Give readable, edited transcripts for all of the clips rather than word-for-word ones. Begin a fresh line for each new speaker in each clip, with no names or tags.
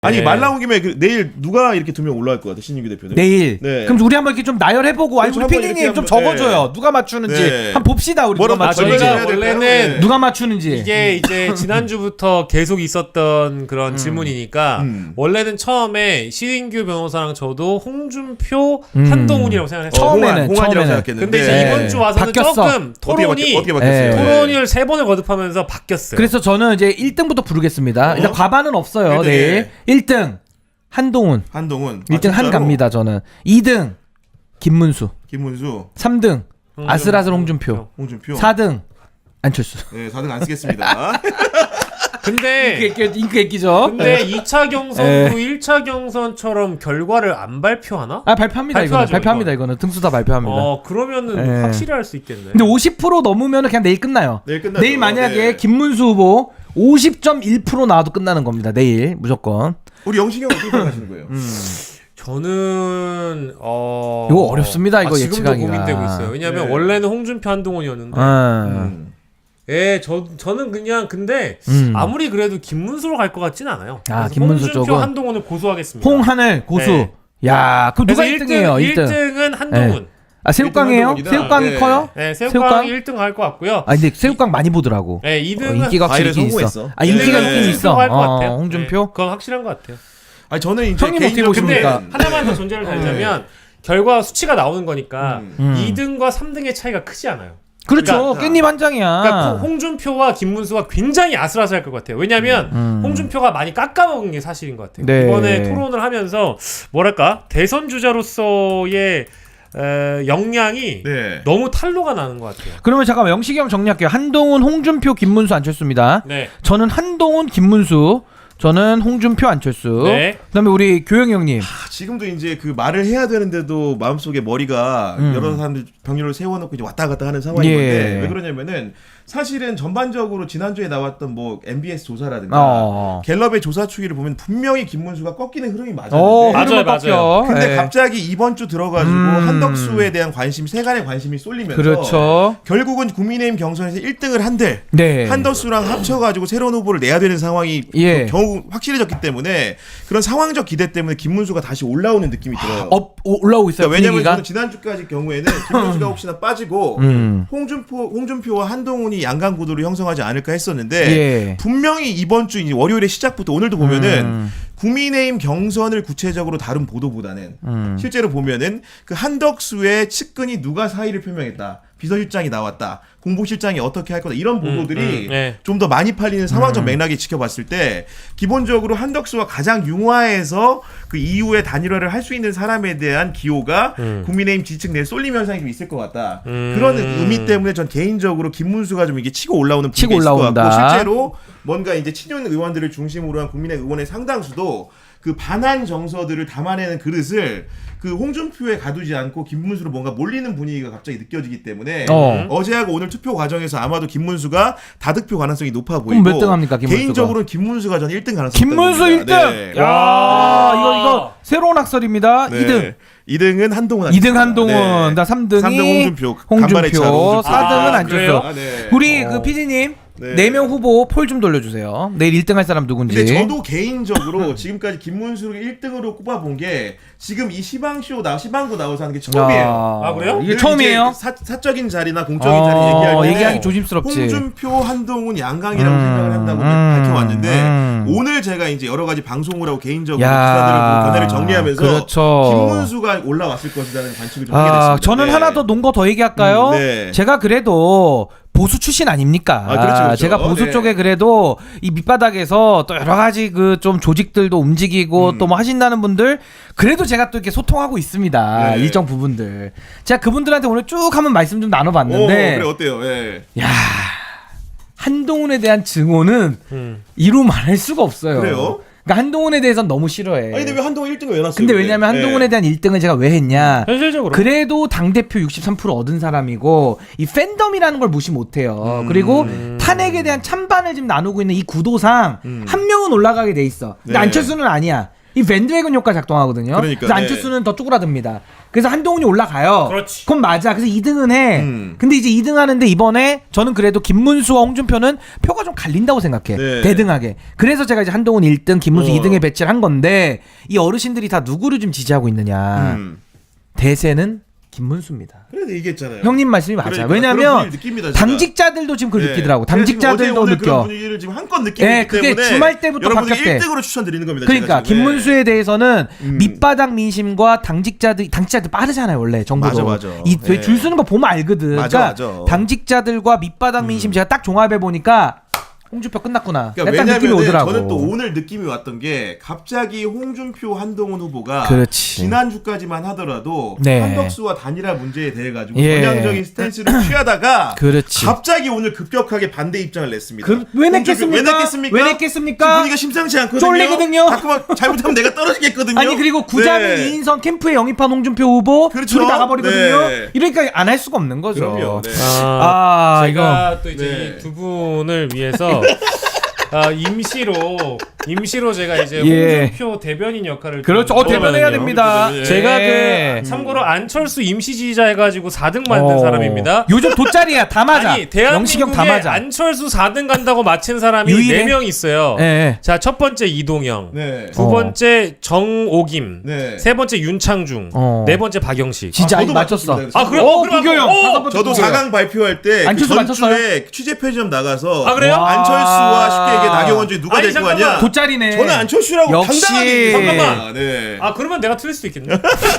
아니
네.
말 나온 김에 내일 누가 이렇게 2명 올라갈 것 같아 신인규 대표는?
내일.
네.
그럼 우리 한번 이렇게 좀 나열해보고 아니
그렇죠,
우리
한번
PD님
이렇게
좀
한번,
적어줘요.
네.
누가 맞추는지
네.
한번 봅시다. 우리 누가 맞추는지.
저희가 원래는
네.
누가 맞추는지.
이게 이제 지난주부터 계속 있었던 그런 질문이니까 원래는 처음에 신인규 변호사랑 저도 홍준표, 한동훈이라고 생각했어요.
처음에는
공안이라고 생각했는데
근데 이제 이번 주 와서는
바뀌었어.
조금 토론이
어떻게 바뀌었어요?
토론을 3번을 거듭하면서 바뀌었어요.
그래서 저는 이제 1등부터 부르겠습니다. 일단 과반은 없어요.
네.
내일 1등 한동훈.
한동훈
1등 한 갑니다. 저는. 2등 김문수.
김문수
3등 아슬아슬 홍준표. 4등 안철수.
네 4등 안 쓰겠습니다.
근데
잉크 애끼죠.
근데 2차 경선도 1차 경선처럼 결과를 안 발표하나?
아 발표합니다. 이거는
발표하죠,
발표합니다. 이거는 등수 다 발표합니다.
그러면은 확실히 할 수 있겠네.
근데 50% 넘으면 그냥 내일 끝나요.
내일 끝나죠.
내일 만약에
네.
김문수 후보 50.1% 나와도 끝나는 겁니다. 내일 무조건.
우리 영식이 형 어떻게 생각하시는 거예요?
저는
이거 어렵습니다. 이거
지금도
예측하기가.
고민되고 있어요. 왜냐면
네.
원래는 홍준표 한동훈이었는데 저는 그냥 근데 아무리 그래도 김문수로 갈 것 같진 않아요.
아,
그래서
김문수
홍준표
쪽은?
한동훈을 고수하겠습니다.
홍하늘 고수.
네.
야, 그럼 누가 1등이에요? 1등.
1등은 한동훈.
아, 새우깡이에요?
한동훈이다.
새우깡이
네.
커요?
네,
새우깡?
새우깡 1등 할 것 같고요.
아, 근데 새우깡 많이 보더라고.
네, 2등은
인기가 확실히
과일에
있긴 있어.
성공했어.
아, 인기가
네.
있긴 있어.
할것 같아요.
홍준표?
네, 그건 확실한 것 같아요.
아니 저는 이제
형님 어떻게
개인적으로
근데
보십니까?
하나만 더 존재를 달자면 결과 수치가 나오는 거니까 2등과 3등의 차이가 크지 않아요.
그렇죠.
그러니까-
깻잎 한 장이야.
그러니까 홍준표와 김문수가 굉장히 아슬아슬할 것 같아요. 왜냐하면 홍준표가 많이 깎아먹은 게 사실인 것 같아요.
네.
이번에 토론을 하면서 뭐랄까 대선 주자로서의 역량이
네.
너무 탈로가 나는 것 같아요.
그러면 잠깐만 영식이 형 정리할게요. 한동훈, 홍준표, 김문수, 안철수입니다.
네.
저는 한동훈, 김문수. 저는 홍준표, 안철수.
네.
그다음에 우리 교영이 형님.
지금도 이제 그 말을 해야 되는데도 마음속에 머리가 여러 사람들 병렬을 세워놓고 이제 왔다 갔다 하는 상황인
예.
건데 왜 그러냐면은 사실은 전반적으로 지난주에 나왔던 뭐 MBS 조사라든가 갤럽의 조사 추이를 보면 분명히 김문수가 꺾이는 흐름이 맞았는데
맞아요, 맞아요.
근데
예.
갑자기 이번 주 들어가지고 한덕수에 대한 관심 세간의 관심이 쏠리면서
그렇죠.
결국은 국민의힘 경선에서 1등을 한들
네.
한덕수랑 합쳐가지고 새로운 후보를 내야 되는 상황이
예.
겨우 확실해졌기 때문에 그런 상황적 기대 때문에 김문수가 다시 올라오는 느낌이 들어요.
올라오고 있어요.
그러니까 왜냐면
분위기가.
저는 지난주까지 경우에는 김문수가 혹시나 빠지고 홍준표와 한동훈이 양강 구도를 형성하지 않을까 했었는데
예.
분명히 이번 주 이제 월요일의 시작부터 오늘도 보면은 국민의힘 경선을 구체적으로 다룬 보도보다는 실제로 보면은 그 한덕수의 측근이 누가 사의를 표명했다. 비서실장이 나왔다. 공보실장이 어떻게 할 거다. 이런 보도들이
네.
좀 더 많이 팔리는 상황적 맥락이 지켜봤을 때 기본적으로 한덕수가 가장 융화해서 그 이후에 단일화를 할 수 있는 사람에 대한 기호가 국민의힘 지지층 내에 쏠림 현상이 좀 있을 것 같다. 그런 의미 때문에 전 개인적으로 김문수가 좀 이게 치고 올라오는
치고
분위기가 있을 것
올라온다.
같고 실제로 뭔가 이제 친윤 의원들을 중심으로 한 국민의 의원의 상당수도 그 반한 정서들을 담아내는 그릇을 그 홍준표에 가두지 않고 김문수로 뭔가 몰리는 분위기가 갑자기 느껴지기 때문에 어제하고 오늘 투표 과정에서 아마도 김문수가 다득표 가능성이 높아 보이고
몇 등 합니까, 김문수가?
개인적으로는 김문수가 전 1등 가능성이
김문수
있다고
1등.
봅니다. 네.
야, 이거 새로운 학설입니다.
네.
2등.
2등은 한동훈
2등 한동훈,
네.
나 3등이
3등 간발의 차로
4등은 안철수.
그래요?
네.
우리 그 PD님
네.
4명 후보 폴 좀 돌려주세요. 내일 1등 할 사람 누군지.
근데 저도 개인적으로 지금까지 김문수를 1등으로 꼽아본 게 지금 이 시방구 나와서 하는 게 처음이에요.
아, 그래요?
이게 처음이에요?
사적인 자리나 공적인 자리 얘기할 때
얘기하기 조심스럽지.
홍준표, 한동훈, 양강이라고 생각을 한다고 밝혀왔는데 오늘 제가 이제 여러 가지 방송을 하고 개인적으로 기사들을 보고 견해를 정리하면서
그렇죠.
김문수가 올라왔을 것이라는 관측을 좀 하게 됐습니다.
저는
네.
하나 더 논 거 더 얘기할까요?
네.
제가 그래도 보수 출신 아닙니까?
그렇죠.
제가 보수
네.
쪽에 그래도 이 밑바닥에서 또 여러 가지 그 좀 조직들도 움직이고 또 뭐 하신다는 분들 그래도 제가 또 이렇게 소통하고 있습니다.
네.
일정 부분들. 제가 그분들한테 오늘 쭉 한번 말씀 좀 나눠봤는데
그래 어때요? 예.
야 한동훈에 대한 증오는 이루 말할 수가 없어요.
그래요?
그러니까 한동훈에 대해서는 너무 싫어해.
아니 근데 왜 한동훈 1등을 왜 놨어요?
근데 왜냐면 한동훈에 대한 1등을 제가 왜 했냐?
현실적으로
그래도 당대표 63% 얻은 사람이고 이 팬덤이라는 걸 무시 못해요. 그리고 탄핵에 대한 찬반을 지금 나누고 있는 이 구도상 한 명은 올라가게 돼 있어. 근데
네.
안철수는 아니야. 이 밴드웨건 효과 작동하거든요.
그러니까,
그래서
네.
안철수는 더 쭈그라듭니다. 그래서 한동훈이 올라가요.
그렇지.
그건 맞아. 그래서 2등은 해. 근데 이제 2등 하는데 이번에 저는 그래도 김문수와 홍준표는 표가 좀 갈린다고 생각해.
네.
대등하게. 그래서 제가 이제 한동훈 1등, 김문수 2등에 배치를 한 건데 이 어르신들이 다 누구를 좀 지지하고 있느냐. 대세는 김문수입니다.
그래도 얘기했잖아요.
형님 말씀이 맞아.
그러니까
왜냐면
그런 분위기를 느낍니다, 제가.
당직자들도 지금 그걸
네.
느끼더라고.
제가 지금
당직자들도
어제 오늘
느껴.
그런 분위기를 지금 한껏 느끼기
네, 그게
때문에
주말 때부터
여러분들
바뀌었대.
1등으로 추천드리는 겁니다.
그러니까
제가 지금.
김문수에 대해서는 밑바닥 민심과 당직자들 빠르잖아요 원래 정부도.
맞아.
이 줄 서는 거 보면 알거든.
맞아.
그러니까 당직자들과 밑바닥 민심 제가 딱 종합해 보니까 홍준표 끝났구나.
그러니까
약간 느낌이
왜냐면
오더라고.
저는 또 오늘 느낌이 왔던 게 갑자기 홍준표 한동훈 후보가
그렇지.
지난주까지만 하더라도
네.
한덕수와 단일화 문제에 대해 가지고
예.
전향적인 스탠스를 취하다가
그렇지.
갑자기 오늘 급격하게 반대 입장을 냈습니다.
왜
홍준표-
냈겠습니까?
왜 냈겠습니까?
왜 냈겠습니까?
지금 분위기가 심상치 않거든요.
쫄리거든요.
자꾸만 잘못하면 내가 떨어지겠거든요.
아니 그리고 구자민
네.
2인선 캠프에 영입한 홍준표 후보
그렇죠.
둘이 나가버리거든요.
네.
이러니까 안 할 수가 없는 거죠.
그럼요. 네.
아,
제가
이거
또 이제
네.
이 두 분을 위해서 임시로 제가 이제
예.
홍준표 대변인 역할을
그렇죠.
좀
대변해야
하거든요.
됩니다.
예.
제가
예.
그 참고로 안철수 임시 지지자 해가지고 4등 만든 사람입니다.
요즘 돗자리야 다 맞아.
아니
영식형 다
대한민국에
맞아.
안철수 4등 간다고 맞힌 사람이
유일해?
4명 있어요.
예.
자, 첫 번째 이동영,
네.
두 번째 정오김,
네.
세 번째 윤창중,
어.
네 번째 박영식.
진짜
저도
이거 맞췄어.
맞췄습니다.
아, 그래요?
어,
그럼
부교영.
어!
다섯 번째
저도
부교영.
4강 발표할 때
안철수
그 전주에 취재 편의점 나가서
아, 그래요?
안철수와 쉽게 얘기해 나경원 중에 누가
아니,
될 거
잠깐만.
아니야?
돗자리네.
저는 안철수라고
역시.
당당하게
잠깐만.
네.
아, 그러면 내가 틀릴 수도 있겠네.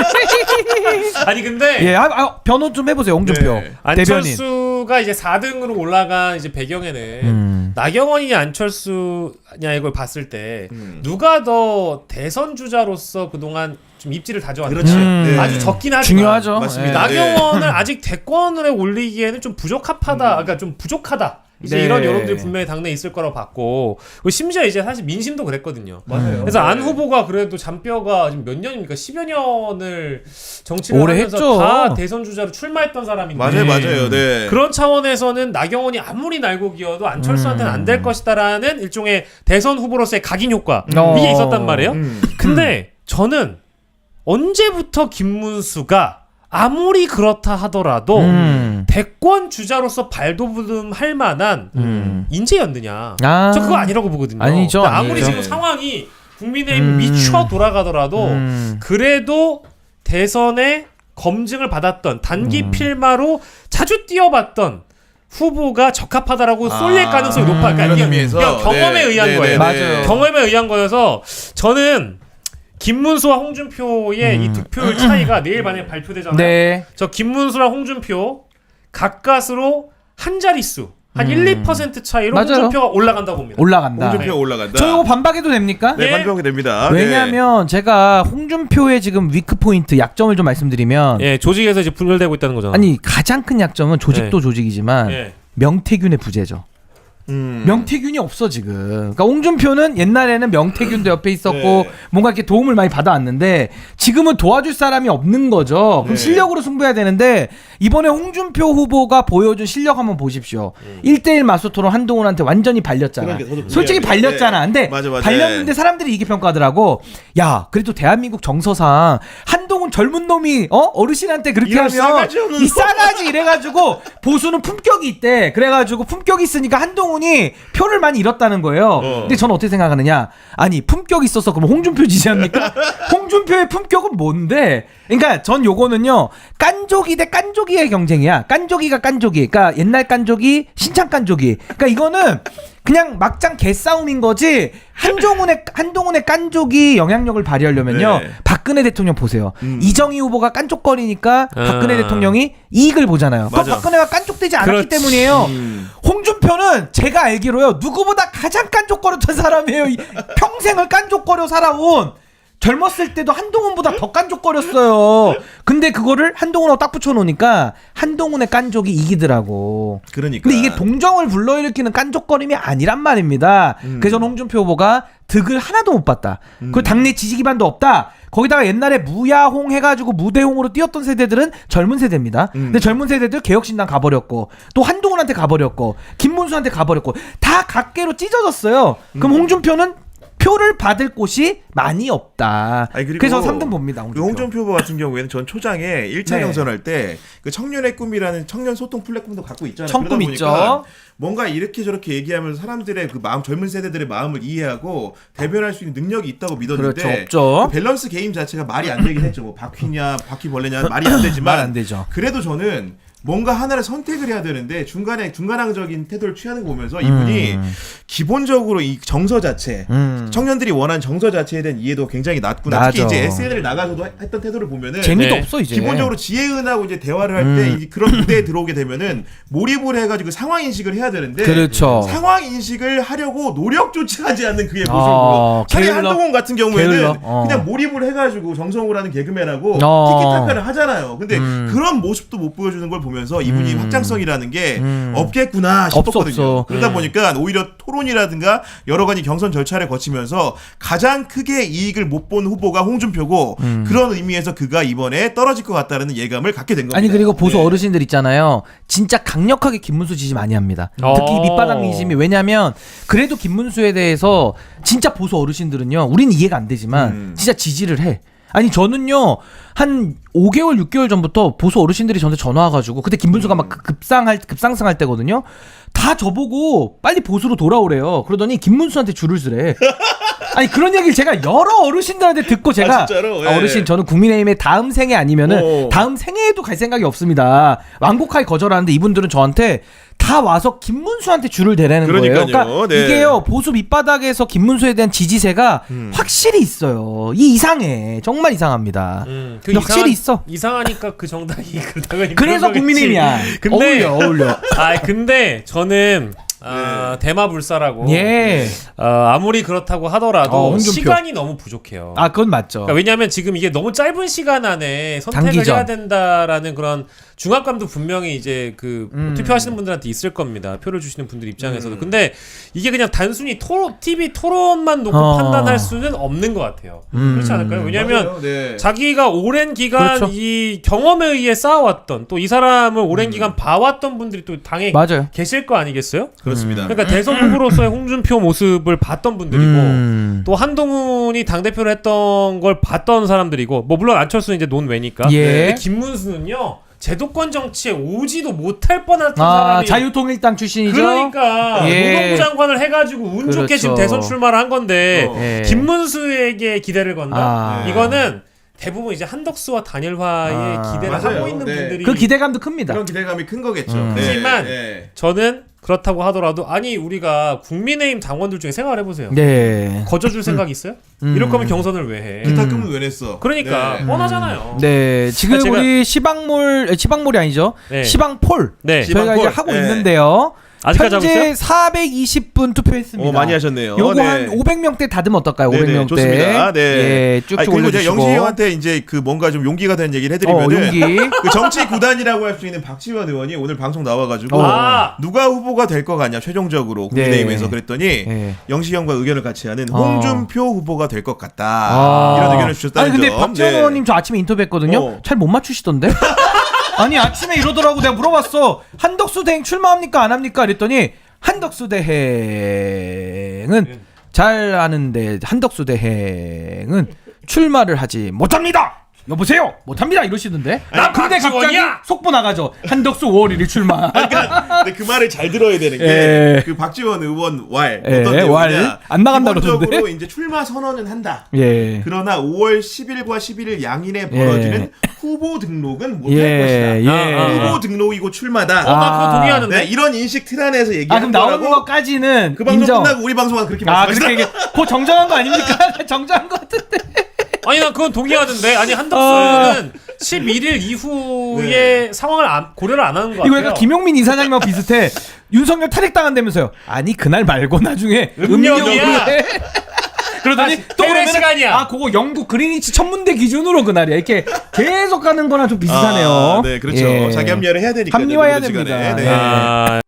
아니 근데
예, 변호 좀 해보세요, 홍준표
네.
대변인.
안철수가 이제 4등으로 올라간 이제 배경에는 나경원이냐 안철수냐 이걸 봤을 때 누가 더 대선 주자로서 그동안 좀 입지를 다져왔는지
그렇지. 네.
아주 적긴 하지만
중요하죠.
맞습니다.
예.
나경원을 아직 대권에 올리기에는 좀 부적합하다. 그러니까 좀 부족하다. 이제
네.
이런 여론들이 분명히 당내에 있을 거라고 봤고 그리고 심지어 이제 사실 민심도 그랬거든요.
맞아요.
그래서 안
네.
후보가 그래도 잔뼈가 지금 몇 년입니까? 10여 년을 정치를
오래
하면서
했죠.
다 대선 주자로 출마했던 사람인데
맞아요. 네.
그런 차원에서는 나경원이 아무리 날고 기어도 안철수한테는 안 될 것이다라는 일종의 대선 후보로서의 각인 효과 이게 있었단 말이에요. 근데 저는 언제부터 김문수가 아무리 그렇다 하더라도 대권 주자로서 발돋움할 만한 인재였느냐?
아.
저 그거 아니라고 보거든요.
아니죠,
그러니까 아무리
아니죠.
지금 상황이 국민의힘 미쳐 돌아가더라도 그래도 대선에 검증을 받았던 단기 필마로 자주 뛰어봤던 후보가 적합하다라고 쏠릴 가능성이 높아. 그러니까
그런
이게
의미에서.
그냥 경험에
네.
의한
네,
거예요.
네,
맞아요.
경험에 의한 거여서 저는 김문수와 홍준표의 이 득표율 차이가 내일 만에 발표되잖아요.
네.
저 김문수랑 홍준표 가까스로 한 자릿수 한 1, 2% 차이로
맞아요.
홍준표가 올라간다고 봅니다.
올라간다.
홍준표가 올라간다.
저 이거 반박해도 됩니까?
네,
예.
반병이 됩니다.
왜냐하면 제가 홍준표의 지금 위크 포인트 약점을 좀 말씀드리면
예, 조직에서 이제 분열되고 있다는 거잖아.
아니 가장 큰 약점은 조직도 조직이지만
예.
명태균의 부재죠. 명태균이 없어 지금. 그러니까 홍준표는 옛날에는 명태균도 옆에 있었고
네.
뭔가 이렇게 도움을 많이 받아왔는데 지금은 도와줄 사람이 없는 거죠. 그럼
네.
실력으로 승부해야 되는데 이번에 홍준표 후보가 보여준 실력 한번 보십시오. 1대1 맞소토론 한동훈한테 완전히 발렸잖아.
그러니까 저도
솔직히
동의해요.
발렸잖아. 근데
네. 맞아.
발렸는데 사람들이 이게 평가하더라고. 야 그래도 대한민국 정서상 한동훈 젊은 놈이 어르신한테 그렇게
이런
하면
싸가지 없는
이 싸가지 이래가지고 보수는 품격이 있대. 그래가지고 품격이 있으니까 한동훈이 표를 많이 잃었다는 거예요. 근데 저는 어떻게 생각하느냐? 아니 품격이 있어서 그럼 홍준표 지지합니까? 홍준표의 품격은 뭔데? 그러니까 전 요거는요 깐족이 대 깐족이의 경쟁이야. 깐족이가 깐족이. 그러니까 옛날 깐족이 신창 깐족이. 그러니까 이거는 그냥 막장 개싸움인 거지. 한동훈의 깐족이 영향력을 발휘하려면요
네.
박근혜 대통령 보세요. 이정희 후보가 깐족거리니까 박근혜 대통령이 이익을 보잖아요. 그건
맞아.
박근혜가 깐족되지 않았기
그렇지.
때문이에요. 홍준표는 제가 알기로요 누구보다 가장 깐족거렸던 사람이에요. 평생을 깐족거려 살아온. 젊었을 때도 한동훈보다 더 깐족거렸어요. 근데 그거를 한동훈하고 딱 붙여놓으니까 한동훈의 깐족이 이기더라고.
그러니까.
근데 이게 동정을 불러일으키는 깐족거림이 아니란 말입니다. 그래서 저는 홍준표 후보가 득을 하나도 못 봤다. 그리고 당내 지지 기반도 없다. 거기다가 옛날에 무야홍 해가지고 무대홍으로 뛰었던 세대들은 젊은 세대입니다. 근데 젊은 세대들 개혁신당 가버렸고 또 한동훈한테 가버렸고 김문수한테 가버렸고 다 각계로 찢어졌어요. 그럼 홍준표는 표를 받을 곳이 많이 없다.
아니, 그리고
그래서 3등 봅니다.
그 홍준표 후보 같은 경우에는 전 초장에 1차
네.
경선할 때 그 청년의 꿈이라는 청년 소통 플랫폼도 갖고 있잖아요.
청꿈
그러다
있죠.
보니까 뭔가 이렇게 저렇게 얘기하면서 사람들의 그 마음, 젊은 세대들의 마음을 이해하고 대변할 수 있는 능력이 있다고 믿었는데
그렇죠. 없죠.
그 밸런스 게임 자체가 말이 안 되긴 했죠. 뭐 바퀴냐 바퀴벌레냐 말이 안 되지만
말 안 되죠.
그래도 저는 뭔가 하나를 선택을 해야 되는데 중간항적인 태도를 취하는 거 보면서 이분이 기본적으로 이 정서 자체 청년들이 원하는 정서 자체에 대한 이해도 굉장히 낮구나.
낮아.
특히 이제 SNL 나가서도 했던 태도를 보면은
재미도
네.
없어 이제.
기본적으로 지혜은하고 이제 대화를 할 때 그런 무대에 들어오게 되면은 몰입을 해가지고 상황 인식을 해야 되는데
그렇죠.
상황 인식을 하려고 노력조차 하지 않는 그의 모습을
어,
보고 차라리
게을러.
한동훈 같은 경우에는
게을러.
그냥 몰입을 해가지고 정성으로 하는 개그맨하고
어.
티키타카를 하잖아요. 근데 그런 모습도 못 보여주는 걸 보면서 이분이 확장성이라는 게 없겠구나 싶었거든요.
없어.
그러다 보니까 오히려 토론이라든가 여러 가지 경선 절차를 거치면서 가장 크게 이익을 못 본 후보가 홍준표고 그런 의미에서 그가 이번에 떨어질 것 같다는 예감을 갖게 된 겁니다.
아니 그리고 보수
네.
어르신들 있잖아요. 진짜 강력하게 김문수 지지 많이 합니다.
어.
특히 밑바닥 민심이 왜냐면 그래도 김문수에 대해서 진짜 보수 어르신들은요. 우린 이해가 안 되지만 진짜 지지를 해. 아니 저는요 한 5개월 6개월 전부터 보수 어르신들이 저한테 전화 와가지고 그때 김문수가 막 급상승할 때거든요. 다 저보고 빨리 보수로 돌아오래요. 그러더니 김문수한테 줄을 서래. 아니 그런 얘기를 제가 여러 어르신들한테 듣고 제가
진짜로? 예.
어르신 저는 국민의힘의 다음 생애 아니면은
오.
다음 생애에도 갈 생각이 없습니다. 완곡하게 거절하는데 이분들은 저한테 다 와서 김문수한테 줄을 대라는 거예요.
그러니까요.
그러니까
네.
이게요 보수 밑바닥에서 김문수에 대한 지지세가 확실히 있어요. 이 이상해. 정말 이상합니다.
그
확실히 있어.
이상하니까 그 정당이 그러다가
그래서 국민의힘이야.
근데
어울려.
아 근데 저는 대마불사라고.
예.
아무리 그렇다고 하더라도
홍준표.
시간이 너무 부족해요.
아 그건 맞죠.
그러니까 왜냐하면 지금 이게 너무 짧은 시간 안에 선택을
단기전.
해야 된다라는 그런 중압감도 분명히 이제 그 투표하시는 분들한테 있을 겁니다. 표를 주시는 분들 입장에서도. 근데 이게 그냥 단순히 TV 토론만 놓고 판단할 수는 없는 것 같아요. 그렇지 않을까요? 왜냐하면
맞아요. 네.
자기가 오랜 기간
그렇죠.
이 경험에 의해 쌓아왔던 또 이 사람을 오랜 기간 봐왔던 분들이 또 당에
맞아요.
계실 거 아니겠어요?
그렇습니다.
그러니까 대선 후보로서의 홍준표 모습을 봤던 분들이고 또 한동훈이 당대표를 했던 걸 봤던 사람들이고 뭐 물론 안철수는 이제 논외니까
예.
근데 김문수는요 제도권 정치에 오지도 못할 뻔한
아
사람이
자유통일당 출신이죠.
그러니까
예.
노동부 장관을 해가지고 운 좋게
그렇죠.
지금 대선 출마를 한 건데
예.
김문수에게 기대를 건다?
아.
이거는 대부분 이제 한덕수와 단일화에 기대를
맞아요.
하고 있는
네.
분들이
그 기대감도 큽니다.
그런 기대감이 큰 거겠죠.
하지만
네.
저는 그렇다고 하더라도 아니 우리가 국민의힘 당원들 중에 생각을 해보세요.
네.
거저줄 생각 있어요? 이럴 거면 경선을 왜 해?
기타 금은 왜 냈어?
그러니까
네.
뻔하잖아요.
네, 지금
제가-
우리 시방몰이 아니죠?
네.
시방폴
네.
저희가 이제
시방폴.
하고
네.
있는데요.
아직까지 하고
현재
있어요?
420분 투표했습니다.
많이 하셨네요.
요거
네.
한 500명대 다듬면 어떨까요?
네네,
500명대.
좋습니다. 네.
예, 쭉쭉
아니, 그리고 제가
올려주시고.
영식이 형한테 이제 그 뭔가 좀 용기가 되는 얘기를 해드리면은
용기.
그 정치 구단이라고 할 수 있는 박지원 의원이 오늘 방송 나와가지고
아.
누가 후보가 될 것 같냐 최종적으로 국민의힘에서
네.
그랬더니
네.
영식이 형과 의견을 같이 하는
어.
홍준표 후보가 될 것 같다
아.
이런 의견을 주셨다는
아니 근데
점.
박지원
네.
의원님 저 아침에 인터뷰했거든요.
어.
잘 못 맞추시던데? 아니 아침에 이러더라고. 내가 물어봤어. 한덕수 대행 출마합니까 안 합니까? 그랬더니 한덕수 대행은 잘 아는데 한덕수 대행은 출마를 하지 못합니다. 여보세요? 못합니다 이러시던데.
나
근데 갑자기
박지원이야!
속보 나가죠. 한덕수 5월 1일 출마.
그러니까 근데 그 말을 잘 들어야 되는
예.
게 그 박지원 의원 왈
예,
어떤 내용이냐
왈. 안 나간다
기본적으로
그러던데.
이제 출마 선언은 한다.
예.
그러나 5월 10일과 11일 양일에 벌어지는 후보 등록은 못할
예.
것이다.
예.
후보 등록이고 출마다.
나 그거 동의하는데.
네, 이런 인식 틀 안에서
아
얘기한
그럼 나오는
거라고.
것까지는
그 방송
인정.
끝나고 우리 방송은 그렇게
아
말씀하셨어요.
그렇게 얘기. 그 정정한 거 아닙니까? 정정한 거 같은데.
아니 난 그건 동의하는데 아니 한덕수는 11일 이후의 상황을 고려를 안 하는 것 같아요.
이거 약간 김용민 이사장님하고 비슷해. 윤석열 탈핵당한다면서요. 아니 그날 말고 나중에
음력이야.
해. 그러더니
아,
또
해외
그러면
시간이야.
아 그거 영국 그리니치 천문대 기준으로 그날이야. 이렇게 계속 가는 거나 좀 비슷하네요.
네, 그렇죠.
예.
자기 합리화를 해야 되니까.
합리화해야 됩니다.
네.
네.
아,